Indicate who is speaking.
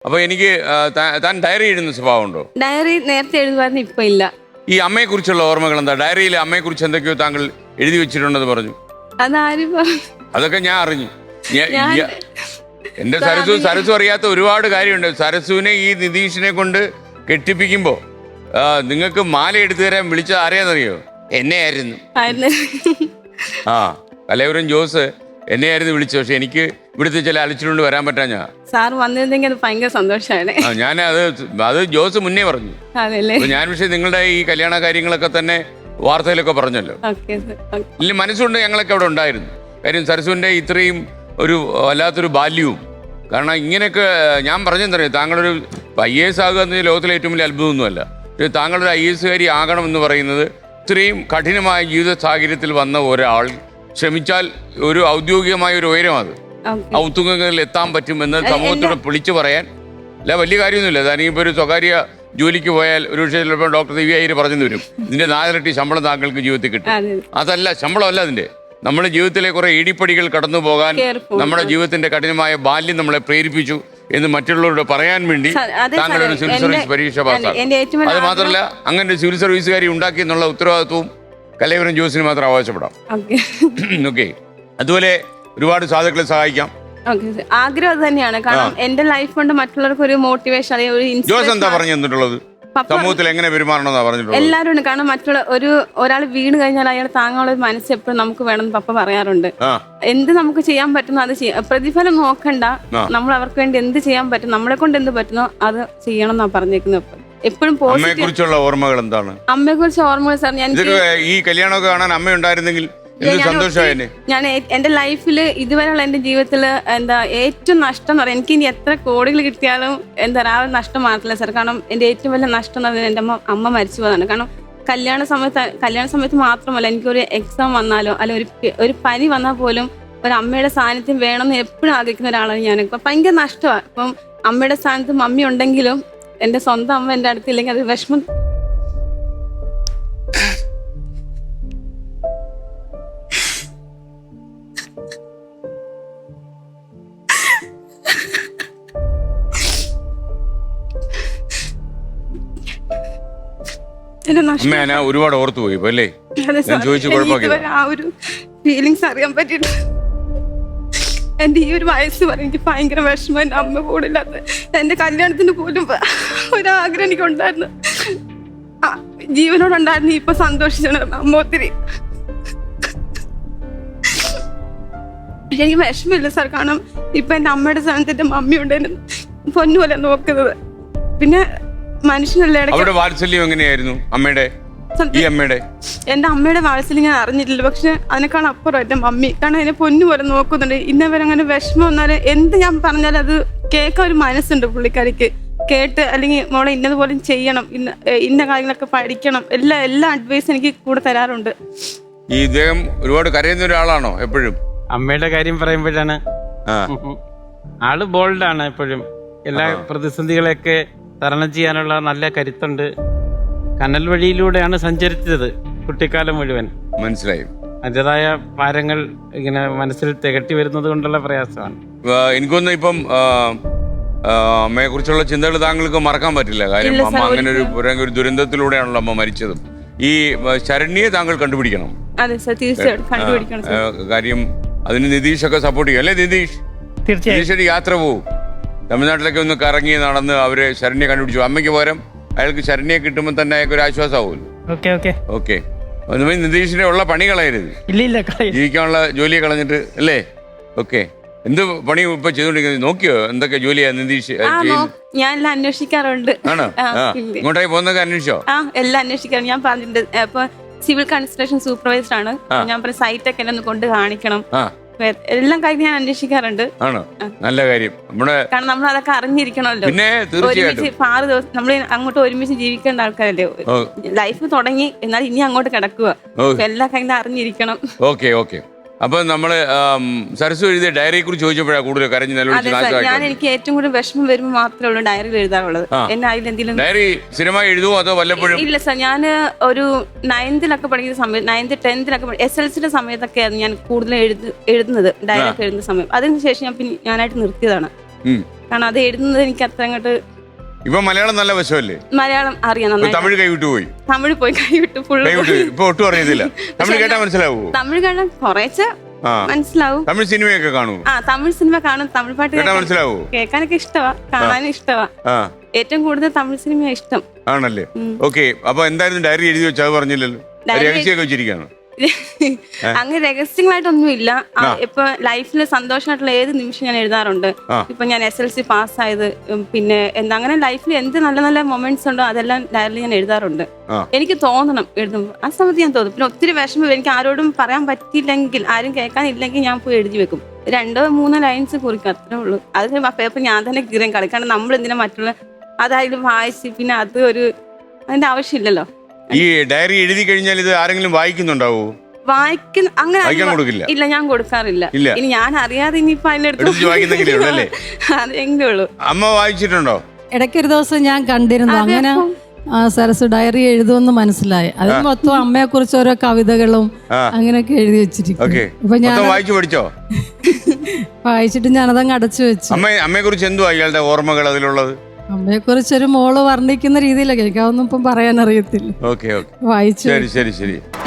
Speaker 1: അപ്പൊ എനിക്ക് താൻ ഡയറി എഴുതുന്ന സ്വഭാവമുണ്ടോ?
Speaker 2: ഡയറി നേരത്തെ എഴുതുമായിരുന്നു, ഇപ്പൊ ഇല്ല.
Speaker 1: ഈ അമ്മയെ കുറിച്ചുള്ള ഓർമ്മകൾ എന്താ? ഡയറിയിൽ അമ്മയെ കുറിച്ച് എന്തൊക്കെയോ താങ്കൾ എഴുതി വെച്ചിട്ടുണ്ടെന്ന് പറഞ്ഞു.
Speaker 2: അതാരും പറഞ്ഞു?
Speaker 1: അതൊക്കെ ഞാൻ അറിഞ്ഞു. എന്റെ സരസു അറിയാത്ത ഒരുപാട് കാര്യമുണ്ട്. സരസുവിനെ ഈ നിതീഷിനെ കൊണ്ട് കെട്ടിപ്പിക്കുമ്പോ നിങ്ങൾക്ക് മാല എടുത്തു തരാൻ വിളിച്ച ആരെയാണെന്നറിയോ? എന്നെയായിരുന്നു. കലൈവരം ജോസ് എന്നെയായിരുന്നു വിളിച്ചത്. പക്ഷെ എനിക്ക് ഇവിടുത്തെ ചില അലച്ചിലുകൊണ്ട് വരാൻ പറ്റാഞ്ഞാ.
Speaker 2: സാർ വന്നിരുന്നെങ്കിൽ അത് ഭയങ്കര സന്തോഷമാണ്.
Speaker 1: ഞാൻ അത് ജോസ് മുന്നേ പറഞ്ഞു. ഞാൻ പക്ഷേ നിങ്ങളുടെ ഈ കല്യാണ കാര്യങ്ങളൊക്കെ തന്നെ വാർത്തയിലൊക്കെ പറഞ്ഞല്ലോ. ഇല്ല, മനസ്സുകൊണ്ട് ഞങ്ങളൊക്കെ അവിടെ ഉണ്ടായിരുന്നു. കാര്യം സരസുവിന്റെ ഇത്രയും ഒരു വല്ലാത്തൊരു ബാല്യവും. കാരണം ഇങ്ങനെയൊക്കെ ഞാൻ പറഞ്ഞെന്നറിയാം, താങ്കളൊരു IAS ആകുക എന്നത് ലോകത്തിലെ ഏറ്റവും വലിയ അത്ഭുതമൊന്നുമല്ല. പക്ഷേ താങ്കളൊരു IAS ആകണം എന്ന് പറയുന്നത് ഇത്രയും കഠിനമായ ജീവിത സാഹചര്യത്തിൽ വന്ന ഒരാൾ ശ്രമിച്ചാൽ ഒരു ഔദ്യോഗികമായ ഒരു ഉയരം, അത് ഔത്തുകങ്ങളിൽ എത്താൻ പറ്റുമെന്ന് സമൂഹത്തോട് വിളിച്ചു പറയാൻ അല്ല വലിയ കാര്യമൊന്നുമില്ല. താനിപ്പോൾ ഒരു സ്വകാര്യ ജോലിക്ക് പോയാൽ ഒരു പക്ഷേ ചിലപ്പോൾ ഡോക്ടർ ദിവ്യായി പറഞ്ഞു തരും, ഇതിന്റെ 4 ഇരട്ടി ശമ്പളം താങ്കൾക്ക് ജീവിതത്തിൽ കിട്ടും. അതല്ല, ശമ്പളമല്ല അതിന്റെ. നമ്മുടെ ജീവിതത്തിലെ കുറെ ഇടിപ്പടികൾ കടന്നു പോകാൻ നമ്മുടെ ജീവിതത്തിന്റെ കഠിനമായ ബാല്യം നമ്മളെ പ്രേരിപ്പിച്ചു എന്ന് മറ്റുള്ളവരോട് പറയാൻ വേണ്ടി താങ്കൾ ഒരു സിവിൽ സർവീസ് പരീക്ഷ പാസ്സാണ്. അത് മാത്രമല്ല, അങ്ങനെ ഒരു സിവിൽ സർവീസുകാരി ഉണ്ടാക്കി എന്നുള്ള ഉത്തരവാദിത്വവും കലൈവരം ജോസിന് മാത്രം അവകാശപ്പെടാം. ഓക്കെ, അതുപോലെ ഒരുപാട് സാധുക്കളെ സഹായിക്കാം.
Speaker 2: ആഗ്രഹം അത് തന്നെയാണ്. കാരണം എന്റെ ലൈഫ് കൊണ്ട് മറ്റുള്ളവർക്ക് ഒരു മോട്ടിവേഷൻ അല്ലെങ്കിൽ ഒരു
Speaker 1: ജോസ് എന്താ പറഞ്ഞു തന്നിട്ടുള്ളത്? സമൂഹത്തിൽ എങ്ങനെ പെരുമാറണമെന്നാ പറഞ്ഞിട്ടുള്ളത്?
Speaker 2: എല്ലാവരും ഉണ്ട്. കാരണം മറ്റുള്ള ഒരാൾ വീണ് കഴിഞ്ഞാൽ അയാൾ താങ്ങാനുള്ള ഒരു മനസ്സ് എപ്പോഴും നമുക്ക് വേണമെന്ന് പപ്പ പറയാറുണ്ട്. എന്ത് നമുക്ക് ചെയ്യാൻ പറ്റുന്നോ അത് ചെയ്യാം. പ്രതിഫലം നോക്കണ്ട, നമ്മൾ അവർക്ക് വേണ്ടി എന്ത് ചെയ്യാൻ പറ്റും, നമ്മളെ കൊണ്ട് എന്ത് പറ്റുന്നോ അത് ചെയ്യണം എന്നാ പറഞ്ഞേക്കുന്നത്. എപ്പോഴും
Speaker 1: അമ്മയെ കുറിച്ചുള്ള ഓർമ്മകൾ എന്താണ്?
Speaker 2: അമ്മയെ കുറിച്ച് ഓർമ്മകൾ സാർ, ഞാൻ
Speaker 1: ഈ കല്യാണമൊക്കെ കാണാൻ അമ്മ ഉണ്ടായിരുന്നെങ്കിൽ
Speaker 2: ഞാൻ എന്റെ ലൈഫിൽ ഇതുവരെയുള്ള എന്റെ ജീവിതത്തില് ഏറ്റവും നഷ്ടം എന്ന് പറയാം, എനിക്ക് ഇനി എത്ര കോടികൾ കിട്ടിയാലും ആ ഒരു നഷ്ടം മാറത്തില്ല സാർ. കാരണം എന്റെ ഏറ്റവും വലിയ നഷ്ടം എന്ന് പറയുന്നത് എന്റെ അമ്മ മരിച്ചു പോയതാണ്. കാരണം കല്യാണ സമയത്ത് മാത്രമല്ല, എനിക്കൊരു എക്സാം വന്നാലോ അല്ലെ ഒരു പനി വന്നാൽ പോലും ഒരു അമ്മയുടെ സാന്നിധ്യം വേണമെന്ന് എപ്പോഴും ആഗ്രഹിക്കുന്ന ഒരാളാണ് ഞാൻ. ഇപ്പം ഭയങ്കര നഷ്ടമാണ്. ഇപ്പം അമ്മയുടെ സ്ഥാനത്ത് മമ്മി ഉണ്ടെങ്കിലും എന്റെ സ്വന്തം അമ്മ എന്റെ അടുത്തില്ലെങ്കിൽ അത് വിഷമം.
Speaker 1: ഒരുപാട് ഓർത്തു പോയി അല്ലേ?
Speaker 2: ആ ഒരു ഫീലിങ്സ് അറിയാൻ പറ്റിയിട്ട് എന്റെ ഈ ഒരു വയസ്സ് വരെ എനിക്ക് ഭയങ്കര വിഷമം. എന്റെ അമ്മ കൂടില്ലാത്ത എന്റെ കല്യാണത്തിന് പോലും ഒരാഗ്രഹം എനിക്കുണ്ടായിരുന്നു. ജീവനോടുണ്ടായിരുന്നു. ഇപ്പൊ സന്തോഷിച്ചാണ് അമ്മ ഒത്തിരി. പക്ഷെ എനിക്ക് വിഷമില്ല സാർ. കാരണം ഇപ്പൊ എന്റെ അമ്മയുടെ സ്ഥാനത്ത് എന്റെ മമ്മി ഉണ്ട് എന്നെ പൊന്നുപോലെ നോക്കുന്നത്. പിന്നെ മനുഷ്യനല്ലേ.
Speaker 1: വാത്സല്യം എങ്ങനെയായിരുന്നു അമ്മയുടെ?
Speaker 2: എന്റെ അമ്മയുടെ വാത്സല്യം ഞാൻ അറിഞ്ഞിട്ടില്ല. പക്ഷെ അതിനേക്കാൾ അപ്പുറം എന്റെ മമ്മി. കാരണം എന്നെ പൊന്നുപോലെ നോക്കുന്നുണ്ട്. ഇന്നവരെ അങ്ങനെ വിഷമം വന്നാലും എന്ത് ഞാൻ പറഞ്ഞാലും അത് കേൾക്കാൻ ഒരു മനസ്സുണ്ട് പുള്ളിക്കാരിക്ക്. കേട്ട് അല്ലെങ്കിൽ മോളെ ഇന്നതുപോലെ ചെയ്യണം, ഇന്ന കാര്യങ്ങളൊക്കെ പഠിക്കണം, എല്ലാ അഡ്വൈസും എനിക്ക് കൂടെ തരാറുണ്ട്.
Speaker 1: ഈ ഇദ്ദേഹം ഒരുപാട് കരയുന്ന ഒരാളാണോ എപ്പോഴും?
Speaker 3: അമ്മയുടെ കാര്യം പറയുമ്പോഴാണ് ആള് ബോൾഡാണ് എപ്പോഴും. എല്ലാ പ്രതിസന്ധികളെയൊക്കെ തരണം ചെയ്യാനുള്ള നല്ല കരുത്തുണ്ട്. കനൽ വഴിയിലൂടെയാണ് സഞ്ചരിച്ചത് കുട്ടിക്കാലം മുഴുവൻ.
Speaker 1: മനസ്സിലായി.
Speaker 3: അതിൻ്റെതായ ഭാരങ്ങൾ ഇങ്ങനെ മനസ്സിൽ തികട്ടി വരുന്നത് കൊണ്ടുള്ള പ്രയാസമാണ്.
Speaker 1: എനിക്കൊന്നും ഇപ്പം അമ്മയെ കുറിച്ചുള്ള ചിന്തകൾ താങ്കൾക്ക് മറക്കാൻ പറ്റില്ല. കാര്യം അമ്മ അങ്ങനെ ഒരു ദുരന്തത്തിലൂടെയാണല്ലോ അമ്മ മരിച്ചതും. ഈ ശരണ്യെ താങ്കൾ കണ്ടുപിടിക്കണം. കാര്യം അതിന് നിതീഷൊക്കെ സപ്പോർട്ട് ചെയ്യും അല്ലേ? നിതീഷ് യാത്ര പോവും, തമിഴ്നാട്ടിലൊക്കെ ഒന്ന് കറങ്ങി നടന്ന് അവര് ശരണ്യെ കണ്ടുപിടിച്ചു. അമ്മയ്ക്ക് പകരം അയാൾക്ക് ശരണ്യെ കിട്ടുമ്പോൾ തന്നെ അയാൾക്ക് ഒരു ആശ്വാസമാവുമല്ലോ. ഓക്കെ, നിതീഷിനെ ഉള്ള പണി കളയരുത്, ജീവിക്കാനുള്ള ജോലിയെ കളഞ്ഞിട്ട് അല്ലേ? ഓക്കെ, എന്ത് പണി ഇപ്പൊ ചെയ്തോണ്ടിരിക്കുന്നത്? നോക്കിയോ എന്തൊക്കെ ജോലിയാ നിതീഷ്?
Speaker 2: ഞാൻ എല്ലാം അന്വേഷിക്കാറുണ്ട്.
Speaker 1: ആണോ? ഇങ്ങോട്ടേക്ക് പോകുന്നൊക്കെ അന്വേഷിച്ചോ?
Speaker 2: എല്ലാം അന്വേഷിക്കാറുണ്ട്. ഞാൻ പറഞ്ഞിട്ടുണ്ട്, ഇപ്പൊ സിവിൽ കൺസ്ട്രക്ഷൻ സൂപ്പർവൈസർ ആണ് ഞാൻ. പറഞ്ഞ സൈറ്റൊക്കെ എന്നെ ഒന്ന് കൊണ്ട് കാണിക്കണം. എല്ലാം കാര്യം ഞാൻ അന്വേഷിക്കാറുണ്ട്.
Speaker 1: ആണോ? നല്ല കാര്യം.
Speaker 2: കാരണം നമ്മൾ അതൊക്കെ അറിഞ്ഞിരിക്കണമല്ലോ.
Speaker 1: പിന്നെ
Speaker 2: ഒരുമിച്ച് 6 ദിവസം നമ്മൾ അങ്ങോട്ട് ഒരുമിച്ച് ജീവിക്കേണ്ട ആൾക്കാരല്ലേ. ലൈഫ് തുടങ്ങി, എന്നാൽ ഇനി അങ്ങോട്ട് കിടക്കുക. എല്ലാ കാര്യം അറിഞ്ഞിരിക്കണം.
Speaker 1: Okay okay. അപ്പൊ നമ്മള് സരസ്വ എഴുതിയ ഡയറിയെ കുറിച്ച് ചോദിച്ചപ്പോഴാണ് കൂടുതൽ കരഞ്ഞ്
Speaker 2: ഞാൻ എനിക്ക് ഏറ്റവും കൂടുതൽ വിഷമം വരുമ്പോൾ മാത്രമേ ഉള്ളൂ ഡയറിയിൽ എഴുതാറുള്ളത്. എന്നെ അതിലെന്തെങ്കിലും
Speaker 1: ഡയറി സ്ഥിരമായി എഴുതുമോ അതോ വല്ലപ്പോഴും?
Speaker 2: ഇല്ല സാർ, ഞാൻ ഒരു 9th പഠിക്കുന്ന സമയത്ത്, 9th 10th SLCയുടെ സമയത്തൊക്കെയായിരുന്നു ഞാൻ കൂടുതൽ എഴുതുന്നത്, ഡയറി ഒക്കെ എഴുതുന്ന സമയം. അതിനുശേഷം ഞാനായിട്ട് നിർത്തിയതാണ്. കാരണം അത് എഴുതുന്നത് എനിക്ക് അത്ര അങ്ങോട്ട്.
Speaker 1: ഇപ്പൊ മലയാളം നല്ല വശമല്ലേ?
Speaker 2: മലയാളം അറിയാം നന്നായി.
Speaker 1: തമിഴ് കൈവിട്ടു പോയി.
Speaker 2: തമിഴ് പോയി കൈവിട്ടു ഫുള്ള്.
Speaker 1: ഇപ്പൊ ഒട്ടും അറിയത്തില്ല. തമിഴ് കേട്ടാ മനസ്സിലാവോ?
Speaker 2: തമിഴ് കാണാൻ കുറേശ്ശെ മനസ്സിലാവും.
Speaker 1: തമിഴ് സിനിമയൊക്കെ കാണും.
Speaker 2: തമിഴ് സിനിമ കാണും. തമിഴ് പാട്ട്
Speaker 1: മനസ്സിലാവോ?
Speaker 2: കേൾക്കാനൊക്കെ ഇഷ്ടമാ, കാണാനും ഇഷ്ടമാ. ഏറ്റവും കൂടുതൽ തമിഴ് സിനിമ ഇഷ്ടം.
Speaker 1: ആണല്ലേ? ഓക്കെ. അപ്പൊ എന്തായിരുന്നു ഡയറി എഴുതി വെച്ചാൽ പറഞ്ഞില്ലല്ലോ, രഹസ്യമൊക്കെ വെച്ചിരിക്കുകയാണ്.
Speaker 2: അങ്ങനെ രഹസ്യങ്ങളായിട്ടൊന്നും ഇല്ല. ഇപ്പൊ ലൈഫിൽ സന്തോഷമായിട്ടുള്ള ഏത് നിമിഷം ഞാൻ എഴുതാറുണ്ട്. ഇപ്പൊ ഞാൻ SLC പാസ്സായത്, പിന്നെ എന്താ അങ്ങനെ ലൈഫിൽ എന്ത് നല്ല നല്ല മൊമെന്റ്സ് ഉണ്ടോ അതെല്ലാം ഡയറിയിൽ ഞാൻ എഴുതാറുണ്ട്. എനിക്ക് തോന്നണം എഴുതുമ്പോൾ, ആ സമയത്ത് ഞാൻ തോന്നും. പിന്നെ ഒത്തിരി വിഷമം എനിക്ക് ആരോടും പറയാൻ പറ്റിയില്ലെങ്കിൽ, ആരും കേൾക്കാനില്ലെങ്കിൽ ഞാൻ പോയി എഴുതി വെക്കും. 2-3 ലൈൻസ് കുറിക്കും, അത്രേ ഉള്ളൂ. അത് പേപ്പർ ഞാൻ തന്നെ കീറാൻ കളി. കാരണം നമ്മൾ എന്തിനാ മറ്റുള്ള അതായാലും വായിച്ച് പിന്നെ അത് ഒരു അതിന്റെ ആവശ്യമില്ലല്ലോ.
Speaker 1: ഈ ഡയറി എഴുതി കഴിഞ്ഞാൽ ഇത് ആരെങ്കിലും വായിക്കുന്നുണ്ടാവോ?
Speaker 2: അങ്ങനെ
Speaker 1: കൊടുക്കില്ല.
Speaker 2: ഇല്ല, ഞാൻ കൊടുക്കാറില്ല. ഇനി ഞാൻ അറിയാതെ ഇനിയിപ്പോ
Speaker 1: അതിനെടുത്ത്
Speaker 2: അതെങ്കിലും ഉള്ളൂ.
Speaker 1: അമ്മ വായിച്ചിട്ടുണ്ടോ?
Speaker 4: ഇടയ്ക്കൊരു ദിവസം ഞാൻ കണ്ടിരുന്നു അങ്ങനെ സരസ് ഡയറി എഴുതുമെന്ന് മനസ്സിലായി. അതിൽ മൊത്തം അമ്മയെ കുറിച്ച് ഓരോ കവിതകളും അങ്ങനെയൊക്കെ എഴുതി വെച്ചിരിക്കും. ഇപ്പൊ ഞാൻ
Speaker 1: വായിച്ചു പഠിച്ചോ?
Speaker 4: വായിച്ചിട്ട് ഞാനതങ്ങ് അടച്ചു വെച്ചു.
Speaker 1: അമ്മയെ കുറിച്ച് എന്തുവാ ഇയാളുടെ ഓർമ്മകൾ അതിലുള്ളത്?
Speaker 4: അമ്മയെ കുറിച്ചൊരു മോള് വർണ്ണിക്കുന്ന രീതിയിലൊക്കെ എനിക്കതൊന്നും ഇപ്പം പറയാൻ അറിയത്തില്ല.
Speaker 1: ഓക്കെ,
Speaker 4: വായിച്ചു.
Speaker 1: ശരി ശരി ശരി.